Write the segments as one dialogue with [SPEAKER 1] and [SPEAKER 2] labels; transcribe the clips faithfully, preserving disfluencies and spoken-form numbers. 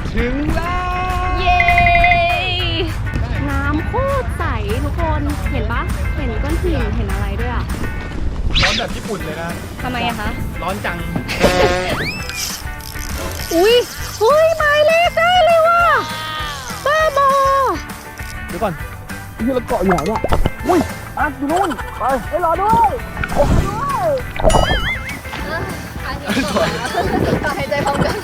[SPEAKER 1] ถึงแล้ว
[SPEAKER 2] เย้น้ำโคตรใสทุกคนเห็นปะเห็นก้อนหินเห็นอะไรด้วยอ่ะ
[SPEAKER 1] ร้อนแบบญี่ปุ่นเลยนะ
[SPEAKER 2] ทำไมอะคะ
[SPEAKER 1] ร้อนจัง
[SPEAKER 2] อุ้ยเฮ้ยหมายเลขได้เลยว่ะบ้าบอ
[SPEAKER 1] เดี๋ยวก่อนที่เราเกาะอยู่ไหนเนี่ยอุ้ยอ่ะอยู่นู่นไปไปรอด้วยโอ้ด้วย
[SPEAKER 2] ต่อหายใจพร้อมกัน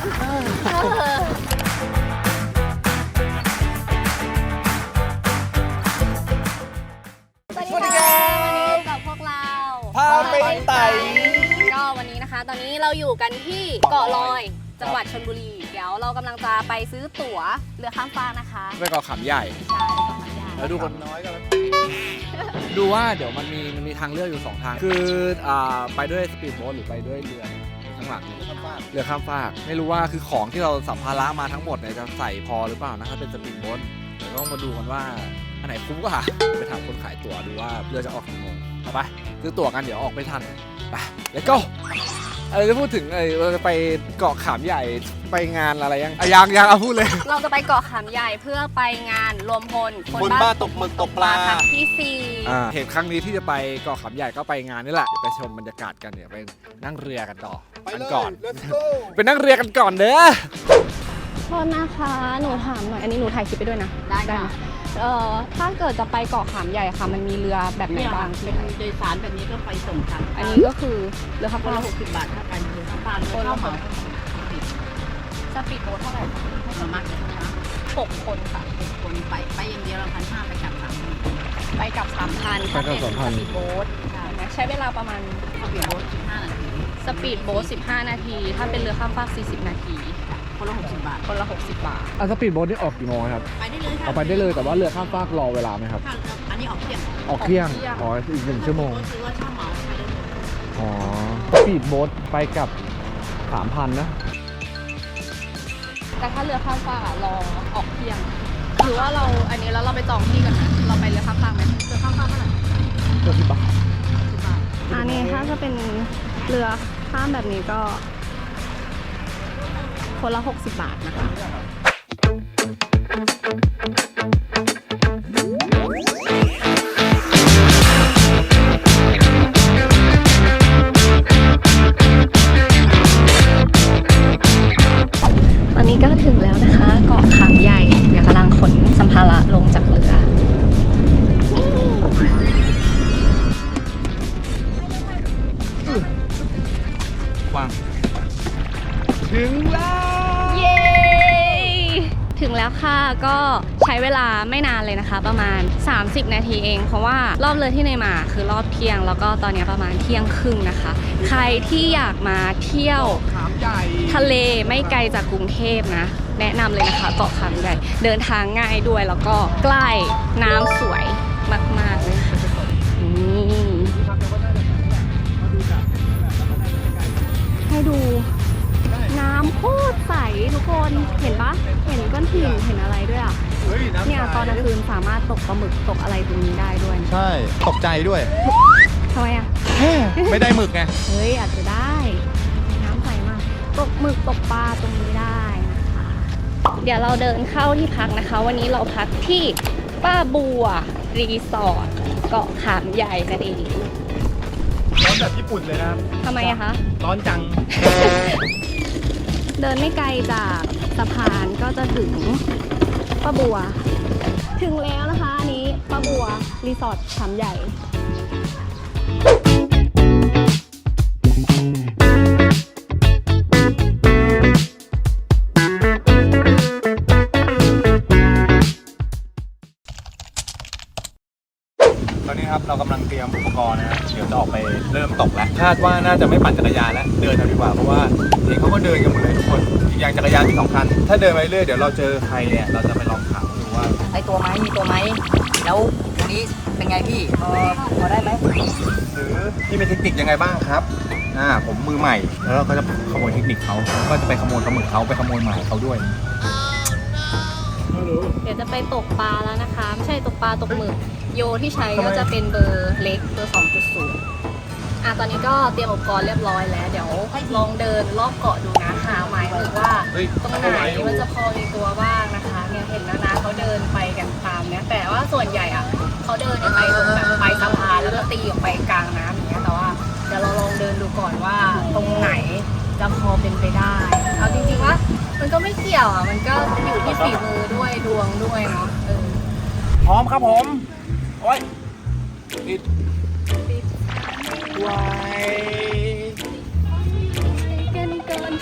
[SPEAKER 2] สวัสดีค่ะวันนี้กับพวกเรา
[SPEAKER 1] พาไปไต่
[SPEAKER 2] ก็วันนี้นะคะตอนนี้เราอยู่กันที่เกาะลอยจังหวัดชลบุรีเดี๋ยวเรากำลังจะไปซื้อตั๋วเรือข้ามฟากนะคะ
[SPEAKER 1] ไปเกาะขามใหญ่
[SPEAKER 2] ใช่เกาะขามใหญ่
[SPEAKER 1] แล้วดูคนน้อยกันดูว่าเดี๋ยวมันมีมันมีทางเลือกอยู่สองทางคืออ่าไปด้วยสปีดโบ๊ทหรือไปด้วยเรือข้างหลังเรือข้ามฟากไม่รู้ว่าคือของที่เราสัมภาระมาทั้งหมดเนี่ยจะใส่พอหรือเปล่านะถ้าเป็นสปีดโบ๊ทเดี๋ยวต้องมาดูกันว่าอันไหนคุ้มกว่าไปถามคนขายตั๋วดูว่าเรือจะออกกี่โมงเอาไปซื้อตั๋วกันเดี๋ยวออกไม่ทันไปแล้วก็เออจะพูดถึงเออเราจะไปเกาะขามใหญ่ไปงานอะไรยังอะยังยังเอาพูดเลย
[SPEAKER 2] เราจะไปเกาะขามใหญ่เพื่อไปงานรวมพล
[SPEAKER 1] คนบ้าตกหมึกตกปลา
[SPEAKER 2] ครั้งที่สี่
[SPEAKER 1] อ่าเหตุครั้งนี้ที่จะไปเกาะขามใหญ่ก็ไปงานนี่แหละเดี๋ยวไปชมบรรยากาศกันเดี๋ยวไปนั่งเรือกันต่อกันก่อนไปนั่งเรือกันก่อนเด้อ
[SPEAKER 2] โทษนะคะหนูถามหน่อยอันนี้หนูถ่ายคลิปไปด้วยนะได้ค่ะเอ่อถ้าเกิดจะไปเกาะขามใหญ่ค่ะมันมีเรือแบบไหนบ้าง
[SPEAKER 3] เป็นโดยสารแบบนี้ก็ไปส่งกัน
[SPEAKER 2] อันนี้ก็คือเรือข้ามฟาก
[SPEAKER 3] หกสิบบาทเท่ากันเรือข้ามฟากคนละหก
[SPEAKER 2] สปีดโบ๊ทเท่าไหร่
[SPEAKER 3] ประมาณกี่คนคะ
[SPEAKER 2] หกคนค่ะ
[SPEAKER 3] หกคนไปไปอย่างเดียวเราพันห้าไปกลับสามพัน
[SPEAKER 2] ไปกลับสามพันถ้าเป็นสปีดโบ๊ทใช้เวลาประมาณ
[SPEAKER 3] สปีดโบ๊ทสิบห้านาที
[SPEAKER 2] สปีดโบ๊ทสิบห้านาทีถ้าเป็นเรือข้ามฟากสี่สิบนาที
[SPEAKER 3] คนละหกสิบบาท
[SPEAKER 2] คนละหกสิบบาท
[SPEAKER 1] อ่ะสปีดโบ๊ทนี่ออกกี่โมงครับ
[SPEAKER 3] ไปได้เลยค่ะ
[SPEAKER 1] เอาไปได้เลยแต่ว่าเรือข้ามฟากรอเวลาไหมครับ
[SPEAKER 3] อันนี้ออกเที่ยง
[SPEAKER 1] ออกเที่ยงอ๋ออีกหนึ่งชั่วโมง
[SPEAKER 3] ซื้อว่าเช่าเหมาไปได้เลย
[SPEAKER 1] อ๋อสปีดโบ๊ทไปกับสามพันนะ
[SPEAKER 2] แต่ถ้าเรือข้ามฟากอะรอออกเที่ยงหรือว่าเราอันนี้แล้วเราไปจองที่กันนะเราไปเรือข้ามฟากไหมเรือข้ามฟากเท่าไหร่
[SPEAKER 1] เรือสิบบาท
[SPEAKER 2] สิบบาทอันนี้ถ้าจะเป็นเรือข้ามแบบนี้ก็คนละหกสิบบาทนะคะตอนนี้ก็ถึงแล้วนะคะเกาะขามใหญ่เดี๋ยวกำลังขนสัมภาระลงจากเรือ
[SPEAKER 1] กว้างถึงแล้ว
[SPEAKER 2] เย้ถึงแล้วค่ะก็ใช้เวลาไม่นานเลยนะคะประมาณสามสิบนาทีเองเพราะว่ารอบเรือที่เนยมาคือรอบเที่ยงแล้วก็ตอนนี้ประมาณเที่ยงครึ่งนะคะใครที่อยากมาเที่ยวทะเลไม่ไกลจากกรุงเทพนะแนะนำเลยนะคะเกาะขามใหญ่เดินทางง่ายด้วยแล้วก็ใกล้น้ำสวยมากๆเลยค่ะให้ดูน้ำโคตรใสทุกคนเห็นปะเห็นก้อนหินเห็นอะไรด้วยอ่ะเนี่ยตอนกลางคืนสามารถตกปลาหมึกตกอะไรตรงนี้ได้ด้วย
[SPEAKER 1] ใช่ตกใจด้วย
[SPEAKER 2] ทำไมอ่ะ
[SPEAKER 1] ไม่ได้หมึกไง
[SPEAKER 2] เฮ้ยอาจจะได้น้ำใสมากตกหมึกตกปลาตรงนี้ได้นะคะเดี๋ยวเราเดินเข้าที่พักนะคะวันนี้เราพักที่ป้าบัวรีสอร์ทเกาะขามใหญ่นั่นเอง
[SPEAKER 1] ร้อนแบบญี่ปุ่นเลยนะ
[SPEAKER 2] ทำไมอะคะ
[SPEAKER 1] ร้อนจัง
[SPEAKER 2] เดินไม่ไกลจากสะพานก็จะถึงป้าบัวถึงแล้วนะคะอันนี้ป้าบัวรีสอร์ทขามใหญ่
[SPEAKER 1] ตอนนี้ครับเรากำลังเตรียมอุปกรณ์นะเดี๋ยวจะออกไปเริ่มตกแล้วคาดว่าน่าจะไม่ปั่นจักรยานแล้วเดินเอาดีกว่าเพราะว่าเห็นเขาก็เดินกันหมดเลยทุกคนอีกอย่างจักรยานมีสองคันถ้าเดินไปเรื่อยเดี๋ยวเราเจอใครเนี่ยเราจะไปลองถามดูว่า
[SPEAKER 3] ไอตัวไหมมีตัวไหมแล้วตรงนี้เป็นไงพี่พอพอได้ไหม
[SPEAKER 1] หรือพี่มีเทคนิคยังไงบ้างครับอ่าผมมือใหม่แล้วเราก็จะขโมยเทคนิคเขาก็จะไปขโมยปลาหมึกเขาไปขโมยหมายเขาด้วย
[SPEAKER 2] เดี๋ยวจะไปตกปลาแล้วนะคะไม่ใช่ตกปลาตกหมึกโยที่ใช้ก็จะเป็นเบอร์เล็กเบอร์ สองจุดศูนย์อ่ะตอนนี้ก็เตรียมอุปกรณ์เรียบร้อยแล้ว เดี๋ยวลองเดินรอบเกาะดูนะหาหมายถึงว่าตรงไหนมันจะพอมีตัวบ้างนะคะเนี่ยเห็นแล้วนะเขาเดินไปกันตามเนี่ยแต่ว่าส่วนใหญ่อ่ะเขาเดินไปตรงแบบไปสะพานแล้วก็ตีออกไปกลางน้ำอย่างเงี้ยแต่ว่าเดี๋ยวเราลองเดินดูก่อนว่าตรงไหนจะพอเป็นไปได้เอาจริงๆว่ามันก็ไม่เกี่ยวอ่ะมันก็อยู่ที่ฝีมือด้วยดวงด้วยเนาะเออ
[SPEAKER 1] พร้อมครับผมโอ้ยติดไว้
[SPEAKER 2] เกินเกิน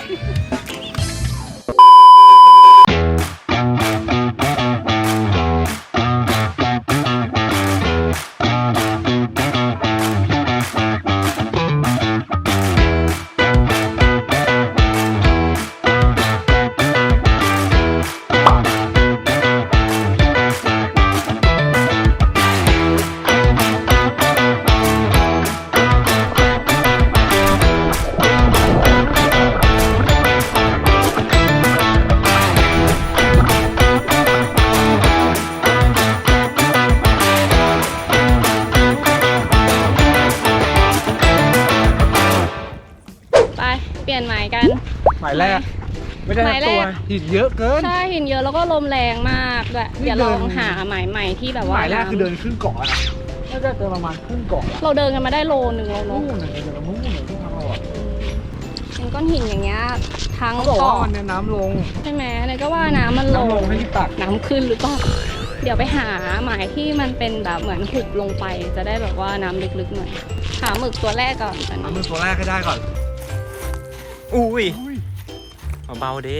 [SPEAKER 2] ไปเปลี่ยนหมายกัน
[SPEAKER 1] หมายแรก ไม่ได้
[SPEAKER 2] หมายแร
[SPEAKER 1] ตัว
[SPEAKER 2] ก
[SPEAKER 1] หินเยอะเกิน
[SPEAKER 2] ใช่หินเยอะแล้วก็ลมแรงมากด้วย
[SPEAKER 1] นี่
[SPEAKER 2] เดี๋ยว
[SPEAKER 1] เดิ
[SPEAKER 2] ล
[SPEAKER 1] น
[SPEAKER 2] องหาหมายใหม่ที่แบบ
[SPEAKER 1] ห
[SPEAKER 2] ว่า
[SPEAKER 1] มายแรกคือเดิน
[SPEAKER 2] น้ำ
[SPEAKER 1] ครึ่งเกาะนะน่าจะเดินประมาณครึ่งเกาะ
[SPEAKER 2] เราเดินกันมาได้โลนึงแล้ว
[SPEAKER 1] นู่
[SPEAKER 2] เนาะ
[SPEAKER 1] นน่ะเดินนู่นน่ะที่ทางเราอ่ะ
[SPEAKER 2] เป็นก้อนหินอย่างเงี้ยทั้ง
[SPEAKER 1] เขาบอกว่า
[SPEAKER 2] เกาะ
[SPEAKER 1] มันเนี่ยน้ำลง
[SPEAKER 2] ใช่ไหมเนี่ยก็ว่าน้ำมันลง
[SPEAKER 1] น้ำลงให้รีบตัก
[SPEAKER 2] น้ำขึ้นหรือเปล่าเดี๋ยวไปหาหมายที่มันเป็นแบบเหมือนหุบลงไปจะได้แบบว่าน้ำลึกๆหน่อยหาหมึกตัวแรกก่อนตอน
[SPEAKER 1] เอา
[SPEAKER 2] นี้
[SPEAKER 1] มือตัวแรกให้ได้ก่อน
[SPEAKER 4] อุ้ย
[SPEAKER 1] อุ้ย
[SPEAKER 4] เบาๆเด้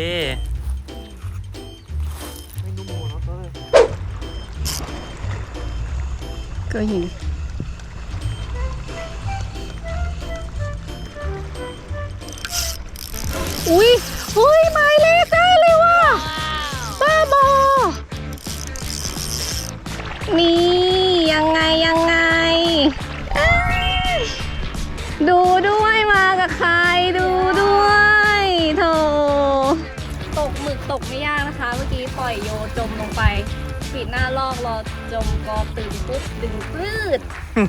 [SPEAKER 1] ไม่นุ่มโมนะเต้ย
[SPEAKER 2] ก็หินอุ้ยอุ้ยหมายเลขได้เลยว่ะบ้าบอนี่ยังไงยังไงเอ้ยดูด้วยมากับใครดูด้วยโถตกหมึกตกไม่ยากนะคะ เมื่อกี้ปล่อยโยจมลงไปปิดหน้าลอกรอจมกอตื่นปุ๊บดึงปลื้ด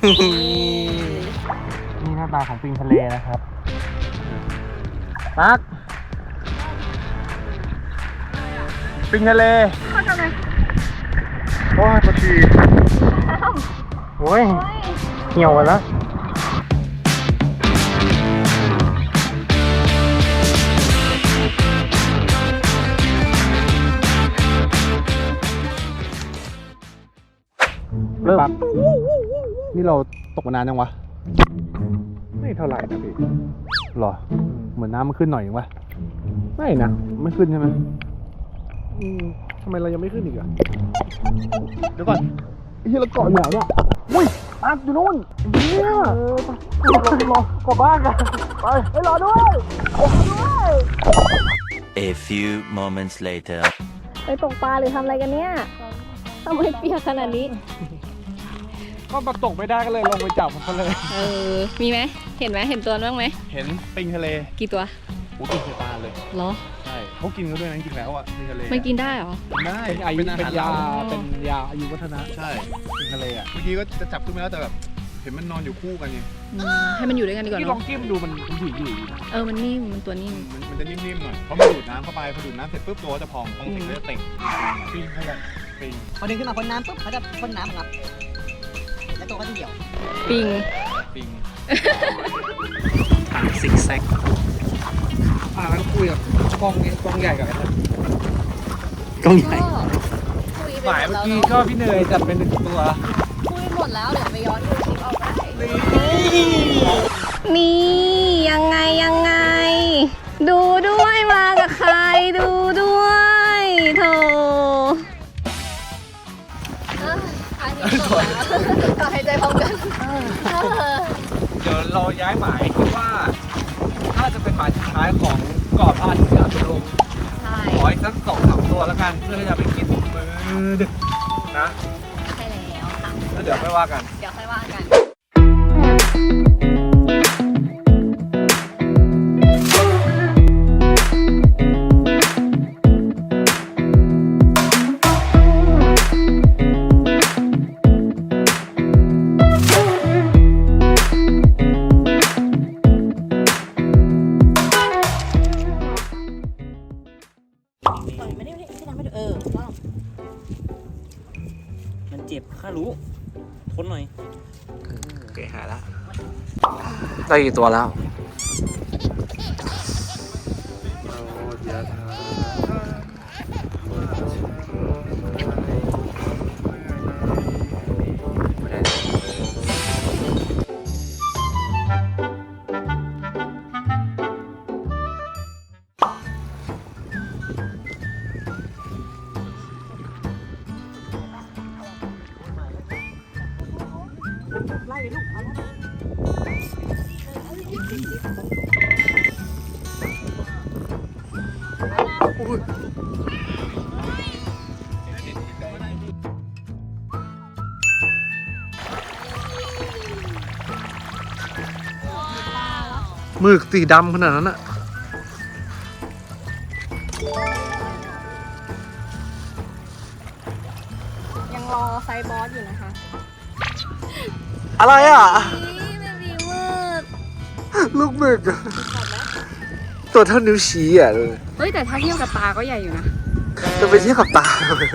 [SPEAKER 1] นี่หน้าตาของปิงทะเลนะครับตักปิงทะเลโอ้ยปะทีโอ้ยเหี่ยวแล้วเริ่มนี่เราตกมานานยังวะ ไม่เท่าไหร่นะพี่หรอ เหมือนน้ำมันขึ้นหน่อยเองวะไม่นะ ไม่ขึ้นใช่ไหมอืมทำไมเรายังไม่ขึ้นอีกอะเดี๋ยวก่อนไอ้ที่เราเกาะอยู่ไหนเนี่ยอุ้ยอัดอยู่นู่นเนี่ยเออรอรอกลับบ้านกันไปไปรอด้วยรอด้วย
[SPEAKER 4] A few moments later
[SPEAKER 2] ไปตกปลาหรือทำอะไรกันเนี่ยทำไมเปียกขนาดนี้
[SPEAKER 1] ก็มาตกไม่ได้ก็เลยลงไปจับมันเขาเลย
[SPEAKER 2] เออ มีไหม เห็นไหม เห็นตัวบ้างไหม
[SPEAKER 1] เห็นปิงทะเล
[SPEAKER 2] กี่ตัว
[SPEAKER 1] โอ้กินเสียตาเลย
[SPEAKER 2] เหรอ
[SPEAKER 1] ใช่เขากินกันด้วยนะจริงๆแล้วอ่ะปิงทะเล
[SPEAKER 2] ไม่กินได้เหรอ
[SPEAKER 1] ได้
[SPEAKER 5] เป็นอายุ
[SPEAKER 1] เป็นยา
[SPEAKER 5] เป็น
[SPEAKER 1] เป็นยาอายุวัฒนะ
[SPEAKER 5] ใช่
[SPEAKER 1] ปิงทะเลอ่ะ
[SPEAKER 5] เมื่อกี้ก็จะจับขึ้นมาแล้วแต่แบบเห็นมันนอนอยู่คู่กันไง
[SPEAKER 2] อืมให้มันอยู่ด้วยกันดีกว่า
[SPEAKER 1] ที่ลอ
[SPEAKER 2] เนาะ
[SPEAKER 1] งจิ้มดูมันมันอยู่อยู่
[SPEAKER 2] เออ มันนิ่ม มันตัวนิ่ม
[SPEAKER 5] มันมันจะนิ่มๆหน่อยเพราะมันดูดน้ำเข้าไปพอดูดน้ำเสร็จปุ๊บตัวก็จะพองพองเสร็จก็จะเต่ง
[SPEAKER 1] ปิงให้แบบ
[SPEAKER 5] ปิง
[SPEAKER 3] พอดึงขึ้นมาพ้นน้ำปุ๊บเขาจะพ่นน้ำครับแล้วตัวก็จะเหี่ยว
[SPEAKER 2] ปิง
[SPEAKER 5] ปิง
[SPEAKER 4] ทางซิกแซก
[SPEAKER 1] อ่าแล้วคุยกับกล้องนี้กล้องใหญ่กับไอ้นั่น
[SPEAKER 4] กล้องใหญ่
[SPEAKER 2] คุยไป
[SPEAKER 1] หมาย
[SPEAKER 2] หม
[SPEAKER 1] เมื่
[SPEAKER 2] ด
[SPEAKER 1] อ
[SPEAKER 2] แล้ว
[SPEAKER 1] กี้
[SPEAKER 2] เนาะ
[SPEAKER 1] ก็พี่เนยจัดเป็นหนึ่งตัว
[SPEAKER 2] คุยหมดแล้วเดี๋ยวไปย้อนดูคลิปเอาได้นี่ยังไงยังไง ดูด้วยมากับใครดูด้วยโถอันนี้จบแล้วต่อหายใจพร้อมกัน
[SPEAKER 1] เดี๋ยวเราย้ายหมายคิดว่าน่าจะเป็นหมายสุดท้ายของเกาะพระอาทิตย์อัสดง
[SPEAKER 2] ใช่
[SPEAKER 1] ขออีกสักสองสามตัวแล้วกันเพื่อที่จะไปกินมื้อดึกนะ
[SPEAKER 2] ใช่แล้วค่ะ
[SPEAKER 1] แล้วเดี๋ยวไม่ว่ากัน
[SPEAKER 2] เดี๋ยวค่อยว่ากัน
[SPEAKER 3] นนี้อันนี้พี่ทำให้ดูเออถูกต้อง
[SPEAKER 4] มันเจ็บข้ารู้ทนหน่อย
[SPEAKER 1] โอเคหายแล้วได้กี่ตัวแล้วหมึกสีดำขนาดนั้นอะ
[SPEAKER 2] ยังรอไซบอสอยู่นะคะ
[SPEAKER 1] อะไรอ่ะ
[SPEAKER 2] นี่เบบีเวิร์ด
[SPEAKER 1] ลูกหมึกอะตัวเท่านิ้วชี้อ่ะเลย
[SPEAKER 2] เฮ้ยแต่ถ้าเทียบกับตาก็ใหญ่อยู่นะ
[SPEAKER 1] จะไปเทียบกับตา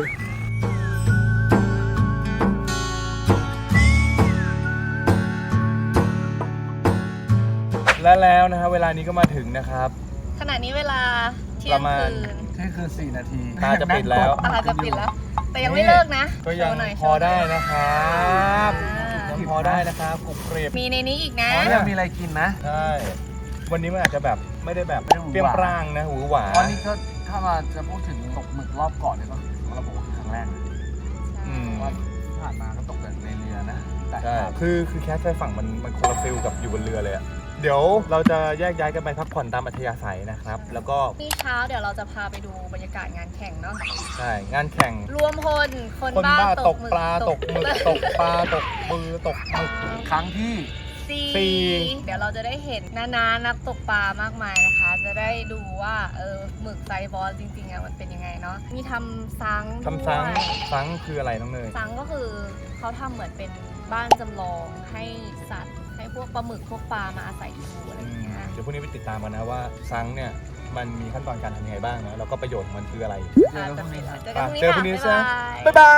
[SPEAKER 1] และแล้วนะครับเวลานี้ก็มาถึงนะครับ
[SPEAKER 2] ขณะนี้เวลาเที่
[SPEAKER 1] ป
[SPEAKER 2] ย
[SPEAKER 1] ระ
[SPEAKER 2] ง
[SPEAKER 1] มาณ
[SPEAKER 2] คืน
[SPEAKER 1] เที่ยงคืนสี่นาทีตาจะปิดแล้ว
[SPEAKER 2] ตลาดจะปิดแล้ว แต่ยังไม่เลิกนะ
[SPEAKER 1] ก็ยัง
[SPEAKER 2] โชว์หน่อย
[SPEAKER 1] พอได้นะครับ
[SPEAKER 2] อ่า
[SPEAKER 1] ยังพอได้นะครับกรุบกริบ
[SPEAKER 2] มีในนี้อีกนะ
[SPEAKER 1] อ๋อยังมีอะไรกินนะใช่วันนี้มันอาจจะแบบไม่ได้แบบ
[SPEAKER 6] ไม่ได้หวือหวา
[SPEAKER 1] เปรี้ยงปร้างนะหูหวา
[SPEAKER 6] ตอนนี้ก็ถ้ามาจะพูดถึงตกหมึกรอบก่อนเนี่ยก็คือเราบอกว่าคือครั้งแรกนะ
[SPEAKER 1] อืม
[SPEAKER 6] ว่าที่ผ่านมาก็ตกแต่ในเรือนะแต่
[SPEAKER 1] ใช่คือคือแคสชายฝั่งมันมันคนละฟิลกับอยู่บนเรือเลยอะเดี๋ยวเราจะแยกย้ายกันไปพักผ่อนตามอัธยาศัยนะครับ แล้วก็
[SPEAKER 2] นี่เช้าเดี๋ยวเราจะพาไปดูบรรยากาศงานแข่งเนาะ
[SPEAKER 1] ใช่งานแข่ง
[SPEAKER 2] รวมพลคน
[SPEAKER 1] คน
[SPEAKER 2] บ้า
[SPEAKER 1] บ้า
[SPEAKER 2] ต
[SPEAKER 1] ต
[SPEAKER 2] ก
[SPEAKER 1] ก
[SPEAKER 2] หมึก
[SPEAKER 1] ปลาตกหมึกตกปลาตกมือตกหมึก
[SPEAKER 6] ครั้งที่
[SPEAKER 2] สี่
[SPEAKER 1] สี่
[SPEAKER 2] เดี๋ยวเราจะได้เห็นนานานักตกปลามากมายนะคะ จะได้ดูว่าเออหมึกไซบอสจริงๆอะมันเป็นยังไงเนาะมีทำซัง
[SPEAKER 1] ทำซัง
[SPEAKER 2] ด้วย
[SPEAKER 1] ซังคืออะไรน้องเนย
[SPEAKER 2] ซังก็คือเขาทำเหมือนเป็นบ้านจำลองให้สัตว์ให้พวกปลาหมึกพวกปลามาอาศัยอยู่อะไรอย่างเงี้ย
[SPEAKER 1] เดี๋ยวพรุ่งนี้ไปติดตามกันนะว่าซังเนี่ยมันมีขั้นตอนการทำยังไงบ้างนะแล้วก็ประโยชน์ของมันคืออะไร
[SPEAKER 2] อาจจะเป็นเจอ
[SPEAKER 1] อ่ะ
[SPEAKER 2] กัน
[SPEAKER 1] เจอพรุ่งนี้
[SPEAKER 2] ค่ะ
[SPEAKER 1] ใช่
[SPEAKER 2] บ๊ายบาย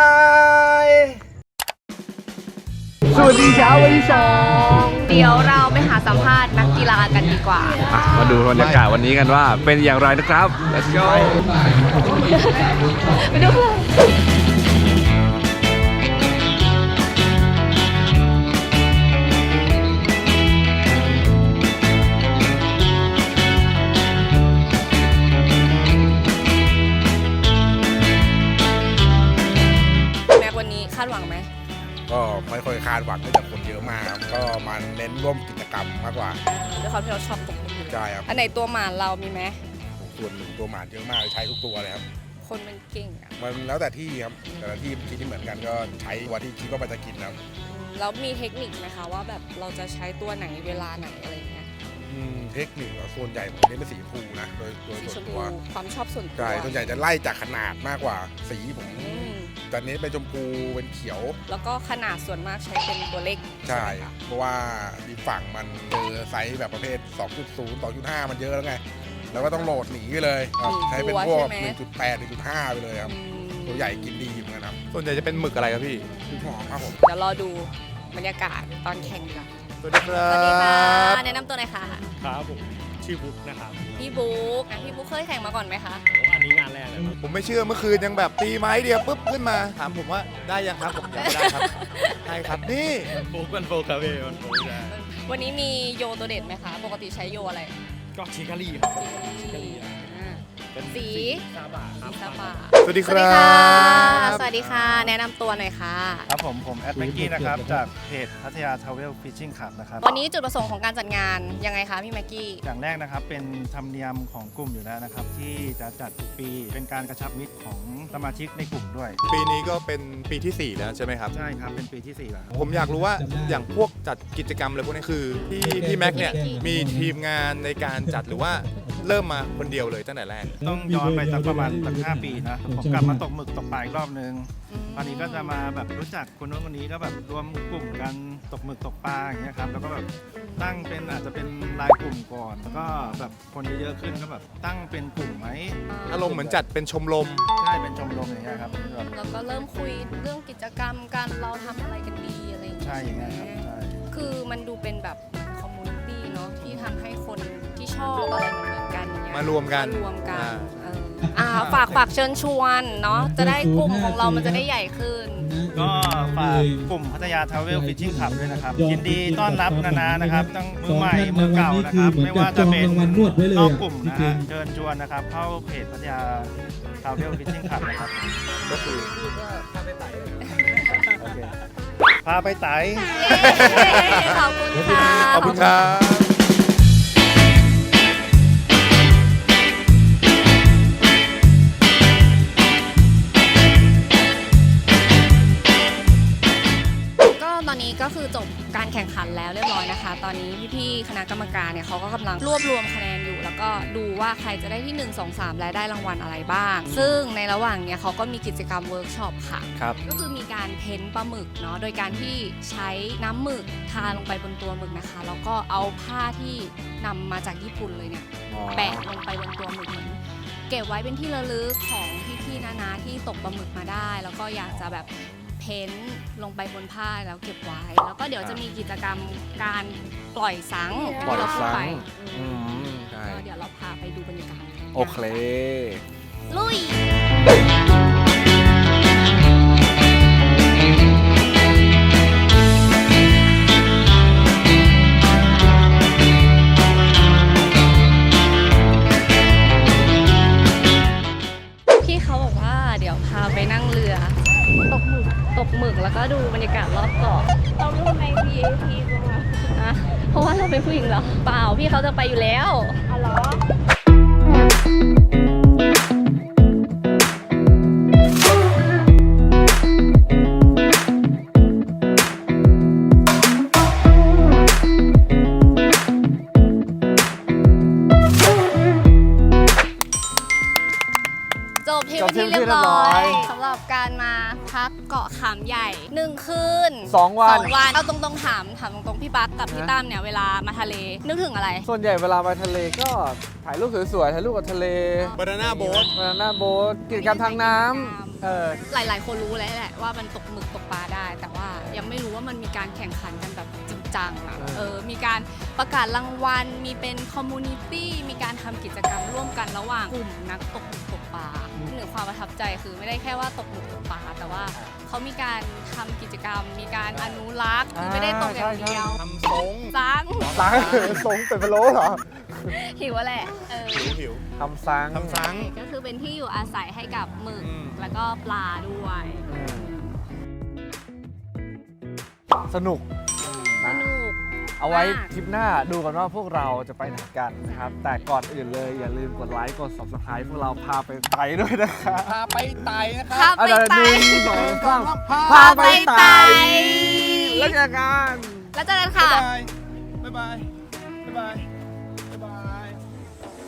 [SPEAKER 1] บ๊ายบาย สวัสดีเช้าวันที่สอง
[SPEAKER 2] เดี๋ยวเราไปหาสัมภาษณ์นักกีฬากันดีกว่า
[SPEAKER 1] มาดูบรรยากาศวันนี้กันว่าเป็นอย่างไรนะครับ let's go
[SPEAKER 2] ไปดูเลยแม็กวันนี้คาดหวังไหม
[SPEAKER 7] ก็ไม่ค่อยคาดหวังเนื่องจากคนเยอะมากครับก็มันเน้นร่วมกิจกรรมมากกว่า
[SPEAKER 2] ด้วยความที่เราชอบตกหมึกอยู่แล้ว
[SPEAKER 7] ใช่ครับ
[SPEAKER 2] อันไหนตัวหมานเรามีไหม
[SPEAKER 7] ส่วนหนึ่งตัวหมาเยอะมากใช้ทุกตัวเลยครับ
[SPEAKER 2] คนมันเก่งอ่ะ
[SPEAKER 7] มันแล้วแต่ที่ครับแต่ละที่คิดที่เหมือนกันก็ใช้ตัวที่คิดว่ามันจะกินนะครับ
[SPEAKER 2] อืมแล้วมีเทคนิคไหมคะว่าแบบเราจะใช้ตัวไหนเวลาไหนอะไรอย่างเงี้ย
[SPEAKER 7] อืมเทคนิคอะส่วนใหญ่ผมเน้นเป็นสีชมพูนะโดยโดย
[SPEAKER 2] สี
[SPEAKER 7] ส่
[SPEAKER 2] ช
[SPEAKER 7] วน
[SPEAKER 2] ม
[SPEAKER 7] ตั
[SPEAKER 2] พู
[SPEAKER 7] ว
[SPEAKER 2] ความชอบส่วนตัว
[SPEAKER 7] ใช่ส่วนใหญ่จะไล่จากขนาดมากกว่าสีผม
[SPEAKER 2] อืม
[SPEAKER 7] ตอนนี้เป็นชมพูเป็นเขียว
[SPEAKER 2] แล้วก็ขนาดส่วนมากใช้เป็นตัวเล็ก
[SPEAKER 7] ใช่
[SPEAKER 2] ไหมคะ
[SPEAKER 7] เพราะว่าดีฝั่งมันเจอไซส์แบบประเภท สองจุดศูนย์ สองจุดห้า มันเยอะแล้วไงแล้วก็ต้องโหลดหนีไปเลยครับใช้เป็นพวก หนึ่งจุดแปด หนึ่งจุดห้า ไปเลยครับ
[SPEAKER 2] อืม
[SPEAKER 7] ตัวใหญ่กินดีเหมือนกันครับ
[SPEAKER 1] ส่วนใหญ่จะเป็นหมึกอะไรครับพี่
[SPEAKER 7] คือหอมครับผม
[SPEAKER 2] เดี๋ยวรอดูบรรยากาศตอนแข่งดีกว่า
[SPEAKER 1] สวัสดีครั
[SPEAKER 2] สวัสดีค่ะ
[SPEAKER 1] บ
[SPEAKER 2] แนะนำตัวหน่อยค่ะ
[SPEAKER 4] ครับผมชื่อบุ๊กนะครับ
[SPEAKER 2] พี่บุ๊กอ่ะพี่บุ๊กเคยแข่งมาก่อนไหมคะ
[SPEAKER 4] โอ้อันนี้งานแรกเลยครับ
[SPEAKER 5] ผมไม่เชื่อเมื่อคืนยังแบบตีไม้เดียวปุ๊บขึ้นมา ถามผมว่าได้ยังครับผมยังไม่ได้ครับได้ครับนี่
[SPEAKER 4] โฟกันโฟคาเฟ่มันโฟกได้
[SPEAKER 2] วันนี้มีโยตัวเด็ดไหมคะ ปกติใช้โยอะไร
[SPEAKER 4] ก็ชิคารีครับ
[SPEAKER 2] ชิคารีอ่า
[SPEAKER 4] เป็น
[SPEAKER 2] สี
[SPEAKER 4] ซาบะครับ
[SPEAKER 2] สีซาบะ
[SPEAKER 5] สวัสดี
[SPEAKER 2] ส
[SPEAKER 5] ค
[SPEAKER 2] วัสดี
[SPEAKER 5] รั
[SPEAKER 2] ค่ะ
[SPEAKER 5] บ
[SPEAKER 2] สวัสดีค่ะ แนะนำตัวหน่อยค่ะ
[SPEAKER 8] ครับผม ผมแอดแม็กกี้นะครับ จากเพจพัทยาทาวเวลฟิชชิ่งคลับนะครับ
[SPEAKER 2] วันนี้จุดประสงค์ของการจัดงานยังไงคะพี่แม็กกี้
[SPEAKER 8] อย่างแรกนะครับ เป็นธรรมเนียมของกลุ่มอยู่แล้วนะครับ ที่จะจัดทุกปีเป็นการกระชับมิตรของสมาชิกในกลุ่มด้วย
[SPEAKER 5] ปีนี้ก็เป็นปีที่สี่แล้วใช่ไหมครับ
[SPEAKER 8] ใช่ครับ เป็นปีที่สี่แล้วครับ
[SPEAKER 5] ผมอยากรู้ว่าอย่างพวกจัดกิจกรรมอะไรพวกนี้คือพี่พี่แม็กเนี่ยมีทีมงานในการจัดหรือว่าเริ่มมาคนเดียวเลยตั้งแต่แรก
[SPEAKER 8] ต้องย้อนไปสักประมาณสักห้าปีนะ ผมกลับมาตกหมึกตกปลาอีกรอบนึง ตอนนี้ก็จะมาแบบรู้จักคนโน้นคนนี้ก็แบบรวมกลุ่มกันตกหมึกตกปลาอย่างเงี้ยครับ แล้วก็แบบตั้งเป็นอาจจะเป็นรายกลุ่มก่อนแล้วก็แบบคนเยอะๆขึ้นก็แบบตั้งเป็นกลุ่มไหม
[SPEAKER 5] อารมณ์เหมือนจัดเป็นชมรม
[SPEAKER 8] ใช่เป็นชมรมอย่างเงี้ยครับแบบ
[SPEAKER 2] แล้วก็เริ่มคุยเรื่องกิจกรรมกันเราทำอะไรกันดีอะไรอย่างเงี้ย
[SPEAKER 8] ใช่อย่างเงี้ยครับใช่
[SPEAKER 2] คือมันดูเป็นแบบคอมมูนิตี้เนาะที่ทำให้คนที่ชอบอะไรเหมือนๆกันอย่างเงี้ย
[SPEAKER 5] มารวมกัน
[SPEAKER 2] มารวมกัน
[SPEAKER 5] อ่า
[SPEAKER 2] เอออ่าฝากฝากเชิญชวนเนาะจะได้กลุ่มของเรามันจะได้ใหญ่ขึ้น
[SPEAKER 8] ก็ฝากกลุ่มพัทยาทาวเวลฟิชชิ่งคลับด้วยนะครับยินดีต้อนรับนานานะครับทั้งมือใหม่มือเก่านะครับไม่ว่าจะเป็นนอกกลุ่มนะฮะเชิญชวนนะครับเข้าเพจพัทยาทาวเวลฟิชชิ่งคลับนะครับ
[SPEAKER 1] ก็คือถ้าไปไต่โอเค
[SPEAKER 8] พาไปไต่
[SPEAKER 2] ขอบคุณค่ะ
[SPEAKER 5] ขอบคุณครับ
[SPEAKER 2] ก็ตอนนี้ก็คือจบการแข่งขันแล้วเรียบร้อยนะคะ ตอนนี้พี่ๆคณะกรรมการเนี่ยเขาก็กำลังรวบรวมคะแนนอยู่ แล้วก็ดูว่าใครจะได้ที่หนึ่ง สอง สามและได้รางวัลอะไรบ้าง ซึ่งในระหว่างเนี้ยเขาก็มีกิจกรรมเวิร์กช็อปค่ะ
[SPEAKER 1] ครับ
[SPEAKER 2] ก็คือมีการเพ้นปลาหมึกเนาะ โดยการที่ใช้น้ำหมึกทาลงไปบนตัวหมึกนะคะ แล้วก็เอาผ้าที่นำมาจากญี่ปุ่นเลยเนี่ย แปะลงไปบนตัวหมึกเหมือนเก็บไว้เป็นที่ระลึกของพี่ๆนาๆที่ตกปลาหมึกมาได้ แล้วก็อยากจะแบบเพ้นท์ลงไปบนผ้าแล้วเก็บไว้ แล้วก็เดี๋ยวจะมีกิจกรรมการปล่อยสัง
[SPEAKER 1] ปล่อย
[SPEAKER 2] ที่เราพูด
[SPEAKER 1] สัง
[SPEAKER 2] ไป
[SPEAKER 1] อืมใช่
[SPEAKER 2] ก็เดี๋ยวเราพาไปดูบรรยากาศ
[SPEAKER 1] โอเค
[SPEAKER 2] ลุย พี่เขาบอกว่าเดี๋ยวพาไปนั่งเรือ ตกหมึก ตกหมึกแล้วก็ดูบรรยากาศรอบเกาะ
[SPEAKER 9] เรารู้ทำไม วี ไอ พี ตรงนั้น
[SPEAKER 2] นะเพราะว่าเราเป็นผู้หญิงเหรอ เปล่า พี่เขาจะไปอยู่แล้ว
[SPEAKER 9] อ๋อเหรอ
[SPEAKER 2] จบทริปเป็นที่เรียบร้อยสำหรับการมาพักเกาะขามใหญ่หนึ่งคืน
[SPEAKER 1] สองวัน
[SPEAKER 2] สองวันเอาตรงๆถามถามตรงๆพี่บั๊กกับพี่ตั้มเนี่ยเวลามาทะเลนึกถึงอะไร
[SPEAKER 1] ส่วนใหญ่เวลาไปทะเลก็ถ่ายรูปสวยๆ ถ่ายรูปกับทะเล
[SPEAKER 5] บานาน่าโบ๊ท
[SPEAKER 1] บานาน่าโบ๊ทกิจกรรมทางน้ำเออ
[SPEAKER 2] หลายๆ คนรู้แล้วแหละว่ามันตกหมึกตกปลาได้ แต่ว่ายังไม่รู้ว่ามันมีการแข่งขันกันแบบจริงจังอ่ะ
[SPEAKER 1] เออ
[SPEAKER 2] เออมีการประกาศรางวัลมีเป็นคอมมูนิตี้มีการทำกิจกรรมร่วมกันระหว่างกลุ่มนักตกหมึกตกปลาหนึ่งความประทับใจคือไม่ได้แค่ว่าตกหมึกตกปลาแต่ว่าเขามีการทำกิจกรรม มีการอนุรักษ์คือไม่ได้ตกอย่างเดียว
[SPEAKER 5] ทำทรง
[SPEAKER 2] ซัง
[SPEAKER 1] สังสงเป็นพะโล้เหรอ
[SPEAKER 2] หิวอะแหละเออ
[SPEAKER 5] หิวหิว
[SPEAKER 1] ทำสัง
[SPEAKER 5] ทำซัง
[SPEAKER 2] ก็คือเป็นที่อยู่อาศัยให้กับหมึก
[SPEAKER 5] อืม
[SPEAKER 2] แล้วก็ปลาด้วย
[SPEAKER 1] อืมสนุก
[SPEAKER 2] ส
[SPEAKER 1] นะ
[SPEAKER 2] นุก
[SPEAKER 1] เอาไว้
[SPEAKER 2] มาก
[SPEAKER 1] คลิปหน้าดูกันว่าพวกเราจะไปไหนกันนะครับ แต่ก่อนอื่นเลยอย่าลืมกดไลค์ กด ซับสไครบ์ พวกเราพาไปไต่ด้วยนะครับ
[SPEAKER 5] พาไปไต่นะค
[SPEAKER 2] พา
[SPEAKER 5] รับ
[SPEAKER 2] ไปไต่
[SPEAKER 1] หนึ่งสองสาม
[SPEAKER 2] พาไปไต่
[SPEAKER 1] แล้วเจอกัน
[SPEAKER 2] แล้วเจอกัน
[SPEAKER 5] บ๊า
[SPEAKER 2] ค่ะ
[SPEAKER 5] ยบาย บ๊ายบาย บ๊ายบาย